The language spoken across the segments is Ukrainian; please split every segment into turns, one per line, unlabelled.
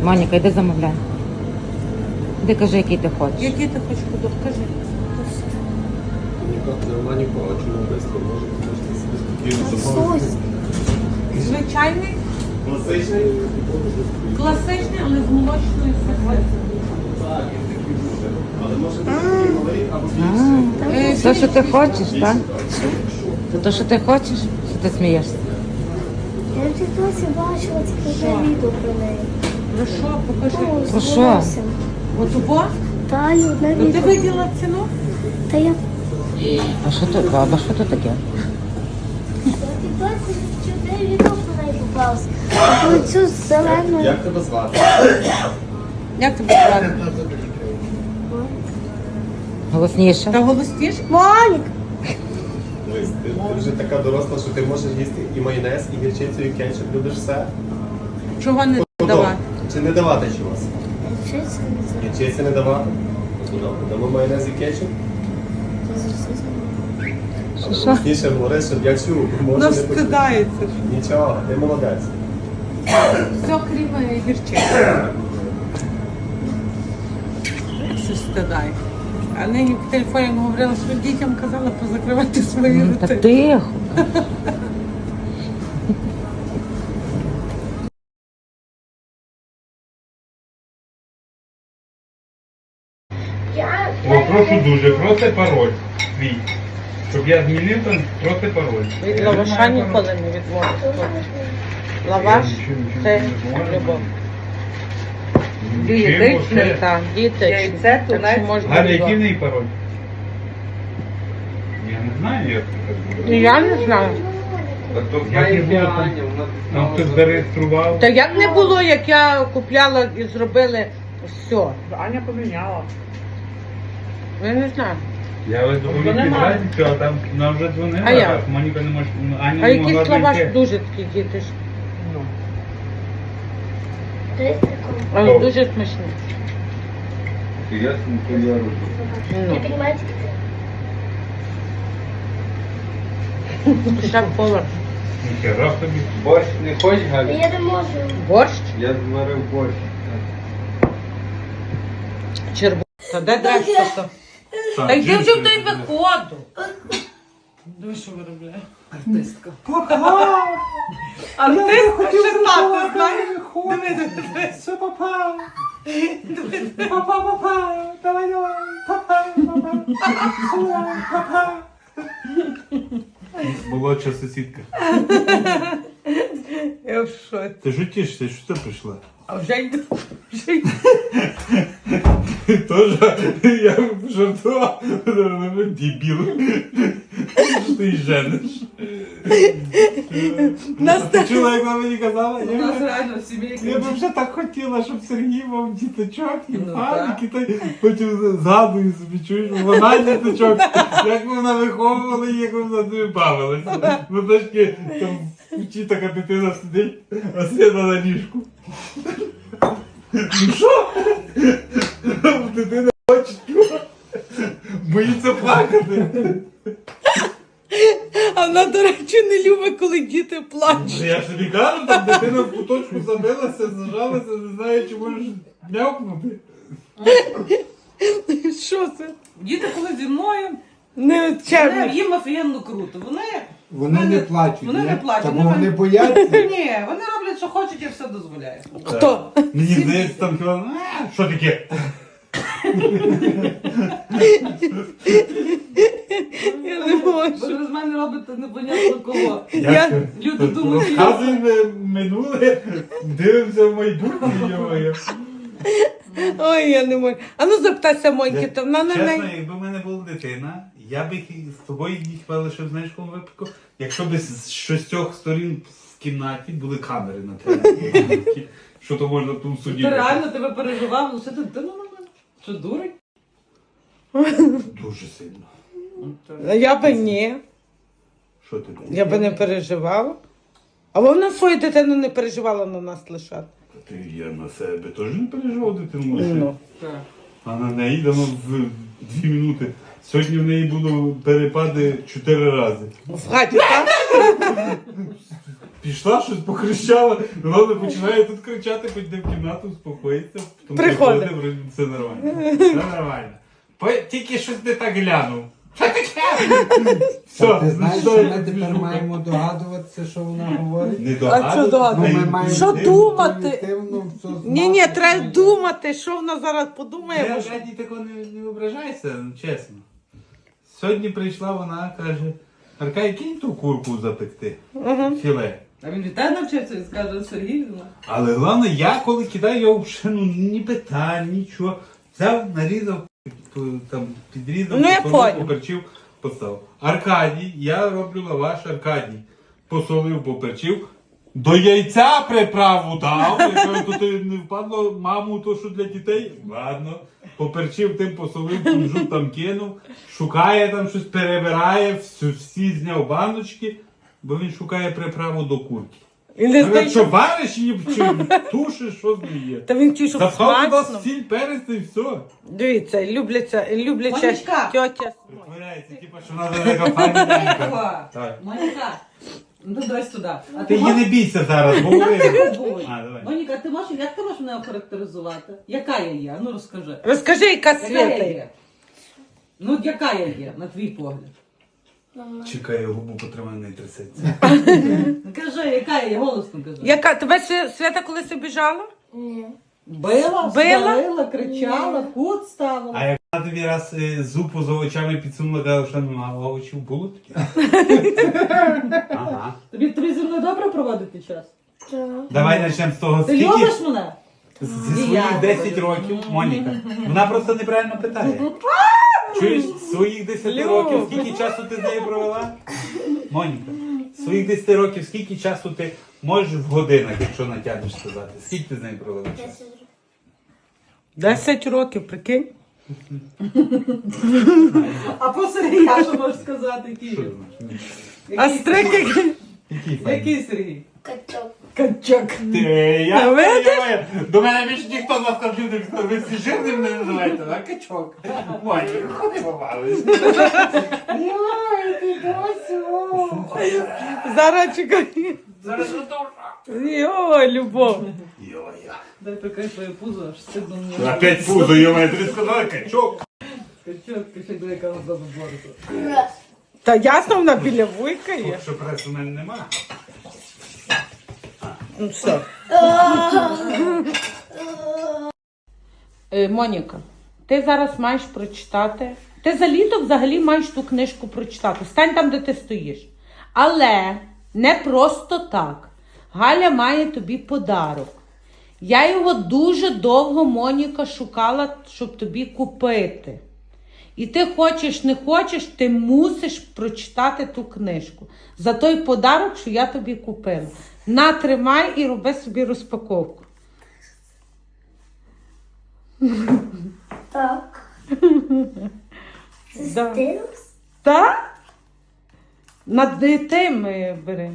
Моніка, йди замовляй. Ти кажи, який ти хочеш.
Який ти хочеш продукт? Кажи.
Маніко, а чому швидко? Можете собі спокійно замовити.
Звичайний,
Класичний?
класичний, але з молочною серветкою.
Так, він такий буде. Але може бути такий малий або більший.
Те, що ти хочеш, так? Це те, що ти хочеш? Чи ти смієшся?
Я в тіктоці бачила таке відео про неї.
Ну що, покажи.
Про що?
От убо?
Та й одне
Ну ти
відео.
виділа ціну?
Та я
А що то, баба, що то таке?
в тіктоці чудове відео про неї попалося. Про цю зелену.
Як тебе звати?
Як тебе звати?
Голосніше.
Та голосніш?
Монік!
Дивись, ти вже така доросла, що ти можеш їсти і майонез, і гірчицю, і кетчуп. Любиш все?
Чого не давати?
Чи не давати чогось?
Чи це не це?
Гірчиці не давати? Ну, добре, дамо майонез і кетчуп. Але
Що?
голосніше говори, щоб я чув. Може,
Ну
не почути.
встидається.
Нічого, ти молодець.
Все крім гірчиці. Все стидає. А нині в телефоні говорила, що дітям казала позакривати свої
Та
роти.
тихо.
Прошу дуже, просто пароль свій. Щоб я змінив, то просто пароль.
Від
Я
лаваша
не знаю
ніколи
пароль.
не відмовиться.
Я
Лаваш
нічого
це
не можу.
любов.
Чим
Дієтичний,
оце?
так, дієтичний.
Яйце,
Так
тунець.
що можна
Галя, який в
любов.
неї пароль? Я не знаю, як це так буде.
Я не знаю.
Як не було, там хтось зареєстрував.
Та як не було, як я купляла і зробили все.
Аня поміняла.
Я не знаю.
Я ось доволі
Вона має.
підразницю, а там нам вже дзвонила,
А я?
а Моніка не може, Аня
А
не могла
якийсь лаваш
дійти.
дуже такий дієтичний.
О.
Дуже смачний.
Я роблю.
Ну,
Понимаете?
шеф-повар.
Ніхера собі.
Борщ не хочеш, Галя?
Я не можу.
Борщ?
Я зварив борщ.
Чербу. Та де дреш то? Та йди вже в той виходу. Диви, що виробляє. Артистка. Артистка ще тата, знаєш? Диви, диви.
Все, папа. Папа, давай, папа. Молодша сусідка.
Я в шоці.
Ти ж тішишся, що це прийшла?
А вже йду. Вже йду.
Тоже я жартував, дебіл. Що ти жениш? Ти чула, як вона мені казала?
У нас реально в сім'ї
Я б вже так хотіла, щоб Сергій мав діточок і
Ну,
фаники, та потім згадую собі, чуєш, вона діточок, як вона виховувала і як вона з ними бавилася. Ну трошки там вчі така дитина сидить, а сина на ліжку. Ну що? Дитина хоче, боїться плакати.
А вона, до речі, не любить, коли діти плачуть.
Я собі кажу, там дитина в куточку забилася, зажалася, не знаю, чи можеш м'явкнути.
Що це?
Діти, коли зі мною,
Не червні.
їм офігенно круто.
Вони не плачуть,
Вони
ні?
не плачуть,
Та бо
вони-
вони бояться.
Ні, вони роблять, що хочуть, я все дозволяю.
Хто?
Мені здається, там хіба, що таке?
Я не можу.
Ви з мене робите непонятно кого.
Як?
Люди думають,
Розказуй минуле, дивимося в майбутнє, йо-моє.
Ой, я не можу. А ну запитайся Моньки, то вона на
Чесно,
неї.
якби в мене була дитина, я би з тобою їх хіба лишив, знаєш, в якому випадку, якщо б з шістьох сторін в кімнаті були камери на телефоні. Що то можна тут в суді?
ти реально тебе переживав, лише ти дитину на мене. Що дурень?
Дуже сильно.
Я би ні.
Що ти?
Я би не переживала. А вона свою дитину не переживала на нас лишати.
Ти я на себе теж не переживав дитину лише.
Ну.
А на неї дамо в 2 минути. Сьогодні в неї було перепади 4 рази.
В хаті, так?
Пішла, щось покричала, вона починає тут кричати, хоч де в кімнату, успокоїться. Потім
Приходить.
вроді все нормально. Все нормально. Тільки щось не так глянув. Що таке? Все,
Ти знаєш,
що
що
я
ми
тобі
тепер
шукаю?
маємо догадуватися, що вона говорить?
Не
А що
догадуватися?
догадуватися?
Ну, ми маємо
Що думати?
інтуїтивно все знати.
Ні, треба думати, що вона зараз подумає.
Я
бо що-
Аркадій такого не ображайся, ну, чесно. Сьогодні прийшла вона, каже, Аркадій, кинь ту курку запекти. Філе.
А він вітає навчився і скаже, Сергій, ну.
Але головне, я коли кидаю, я взагалі ну, ні питань, нічого. Взяв, нарізав, там, підрізав,
Ну, я
посолив,
понял.
поперчив, поставив. Аркадій, я роблю лаваш, Аркадій. Посолив, поперчив. До яйця приправу дав. Я кажу, то ти не впадло маму, то що для дітей? Ладно. Поперчив, тим посолив, кунжут там кинув. Шукає там щось, перебирає, всі зняв баночки, бо він шукає приправу до курки.
І не
Я кажу,
знає,
що вариш її, чи тушиш, що з нею є?
Та він ті, що
Запхав туди
смачно.
сіль, перець і все.
Дивіться, любляча
Монічка.
тьотя.
Притворяється, типу, що вона велика файна.
Моніка,
Так.
Моніка, ну дай сюди. А
Ти її не бійся зараз, говори.
Будь.
А, давай.
Моніка, ти можеш, як ти можеш мене охарактеризувати? Яка я є? Ну розкажи.
Розкажи, яка
Яка
свята
я
є.
є? Ну, яка я є, на твій погляд?
Чекай, губу потримай, не трясеться.
Ну кажи, яка я є, голосно кажи.
Яка? Тебе Свята колись обіжала?
Ні.
Била,
Била?
сварила, кричала, кут ставила.
А як вона тобі раз зупу за очами підсунула, казала, що нема овочів, було таке? Ага.
Тобі зі мною добре проводити час?
Так.
Давай почнемо з того,
Ти
скільки
любиш мене?
зі
Ні,
своїх
я
10
люблю.
років, Моніка, вона просто неправильно питає. Чуєш, своїх 10 років, скільки часу ти з нею провела? Моніка, своїх 10 років, скільки часу ти можеш в годинах, якщо натягнеш сказати? Скільки ти з нею провела часу?
10 років.
10 років, прикинь.
А про Сергія що можеш сказати? Який
Що
він?
ти знаєш?
А стрики...
Який файний?
Який Сергій?
Качок.
Качок.
Я
видиш?
понимаю. До мене більше ніхто з вас комп'ютерів, ви всі жирним не називаєте, а качок. Моніка, ходи побавиш.
Йой, ти досі.
Зараз чекай.
Зараз готова.
Йо, любов.
Йо-йо.
Дай прикрий твоє пузо, аж стидно мені.
Опять пузо, йо-моє, тобі сказали качок.
Качок, качок, дай яка за бороту.
Та ясно, вона біля вуйка є.
Що прес у мене нема.
Ну все. Моніка, ти зараз маєш прочитати. Ти за літо взагалі маєш ту книжку прочитати. Стань там, де ти стоїш. Але не просто так. Галя має тобі подарок. Я його дуже довго, Моніка, шукала, щоб тобі купити. І ти хочеш, не хочеш, ти мусиш прочитати ту книжку. За той подарок, що я тобі купила. На, тримай і роби собі розпаковку.
Так. Це
Да.
стилус?
Так? Над тим бери.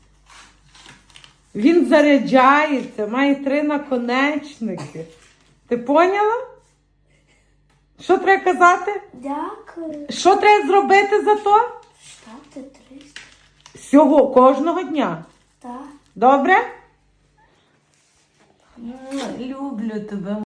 Він заряджається, має 3 наконечники. Ти поняла? Що треба казати?
Дякую.
Що треба зробити за то?
Ставте 300.
Всього, кожного дня.
Так.
Добре? Люблю тебе.